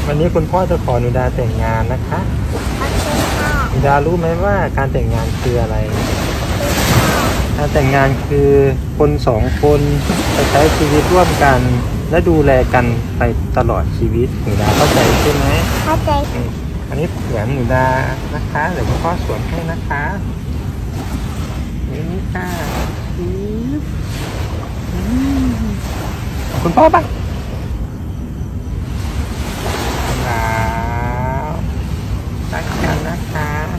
วันนี้คุณพ่อจะขอหนูดาแต่งงานนะคะโอเคค่ะหนูดารู้ไหมว่าการแต่งงานคืออะไร การแต่งงานคือคนสองคนจะใช้ชีวิตร่วมกัน และดูแลกันไปตลอดชีวิตหนูดาเข้าใจใช่ไหมเข้าใจอันนี้แหวนหนูดานะคะเดี๋ยวคุณพ่อสวมให้นะคะนี่ค่ะคุณพ่อปะแล้วรักกันนะคะ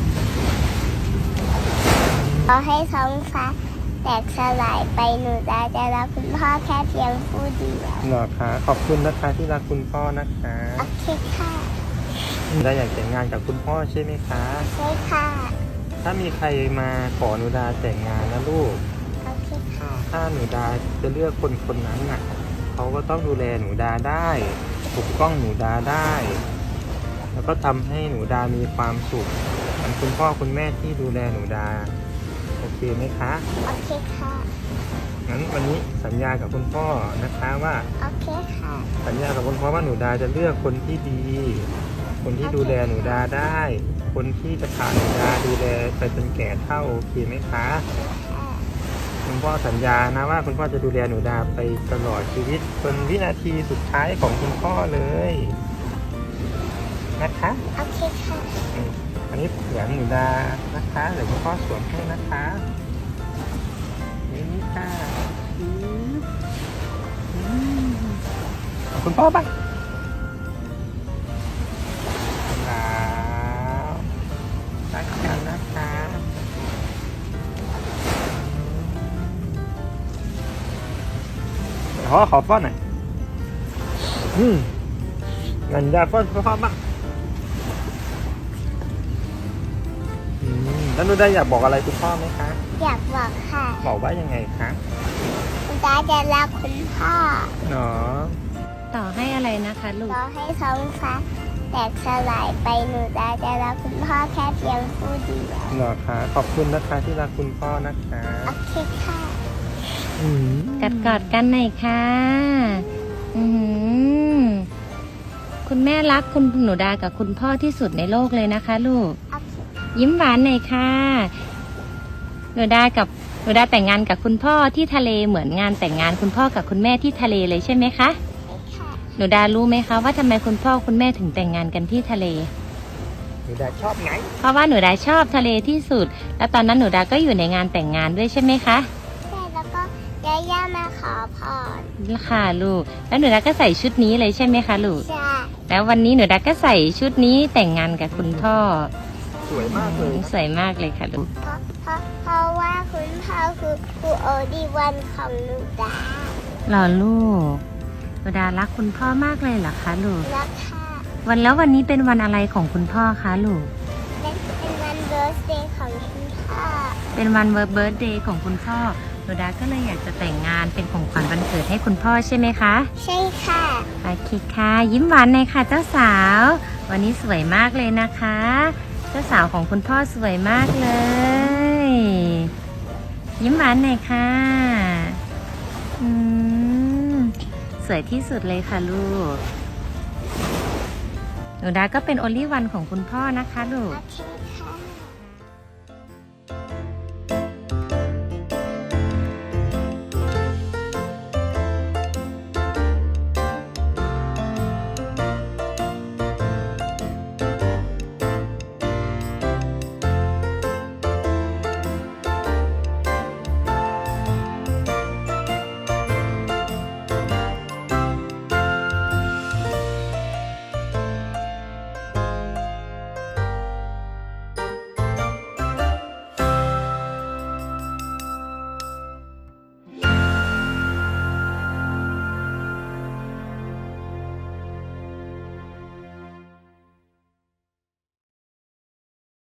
ขอให้ท้องฟ้าแตกสลายไปหนูจะรักคุณพ่อแค่เพียงผู้เดียวหรอคะขอบคุณนะคะที่รักคุณพ่อนะคะโอเคค่ะหนูดาอยากแต่งงานกับคุณพ่อใช่ไหมคะใช่ค่ะถ้ามีใครมาขอหนูดาแต่งงานนะลูกโอเคค่ะถ้าหนูดาจะเลือกคนคนนั้นน่ะเขาก็ต้องดูแลหนูดาได้ปกป้องหนูดาได้ แล้วก็ทำให้หนูดามีความสุขเหมือนคุณพ่อคุณแม่ที่ดูแลหนูดาโอเคไหมคะโอเคค่ะงั้นวันนี้สัญญากับคุณพ่อนะคะว่าโอเคค่ะสัญญากับคุณพ่อว่าหนูดาจะเลือกคนที่ดี คนที่ดูแลหนูดาได้ คนที่จะพาหนูดาดูแลไปจนแก่เฒ่าโอเคไหมคะค่ะคุณพ่อสัญญานะว่าคุณพ่อจะดูแลหนูดาไปตลอดชีวิตจนวินาทีสุดท้ายของคุณพ่อเลยนะคะโอเคค่ะอันนี้แหวนหนูดานะคะเดี๋ยวคุณพ่อสวมให้นะคะนี่ค่ะคุณพ่อปะแล้วรักกันนะคะขอฟ้อนหน่อยงั้นดาฟ้อนบ้าง แล้วหนูได้อยากบอกอะไรคุณพ่อไหมคะอยากบอกค่ะบอกว่ายังไงคะหนูจะรักคุณพ่อเนาะต่อให้อะไรนะคะลูกขอให้ท้องฟ้าแตกสลายไปหนูจะรักคุณพ่อแค่เพียงผู้เดียวเหรอคะขอบคุณนะคะที่รักคุณพ่อนะคะโอเคค่ะกัดกอดกันหน่อยค่ะอื้อหือคุณแม่รักคุณหนูดากับคุณพ่อที่สุดในโลกเลยนะคะ ลูกโอเคยิ้มหวานหน่อยค่ะหนูดาแต่งงานกับคุณพ่อที่ทะเลเหมือนงานแต่งงานคุณพ่อกับคุณแม่ที่ทะเลเลยใช่ไหมคะค่ะหนูดารู้ไหมคะว่าทำไมคุณพ่อคุณแม่ถึงแต่งงานกันที่ทะเลหนูดาชอบไงเพราะว่าหนูดาชอบทะเลที่สุด แล้วตอนนั้นหนูดาก็อยู่ในงานแต่งงานด้วยใช่ไหมคะใช่แล้วก็ย่ามาขอพรค่ะลูก แล้วหนูดาก็ใส่ชุดนี้เลยใช่ไหมคะลูกใช่แล้ววันนี้หนูดาก็ใส่ชุดนี้แต่งงานกับคุณพ่อสวยมากเลยสวยมากเลยค่ะลูกเพราะว่าคุณพ่อคือครูโอดีวันของหนูดาหล่อลูกหนูดารักคุณพ่อมากเลยเหรอคะลูกรักค่ะวันนี้เป็นวันอะไรของคุณพ่อคะลูกเป็นวันเบิร์ธเดย์ของคุณพ่อเป็นวันเบิร์ธเดย์ของคุณพ่อหนูดาก็เลยอยากจะแต่งงานเป็นของขวัญวันเกิดให้คุณพ่อใช่ไหมคะใช่ค่ะโอเคค่ะยิ้มหวานหน่อยค่ะเจ้าสาว วันนี้สวยมากเลยนะคะ เจ้าสาวของคุณพ่อสวยมากเลย ยิ้มหวานหน่อยค่ะสวยที่สุดเลยค่ะลูกหนูดาก็เป็นโอลี่วันของคุณพ่อนะคะลูกโอเค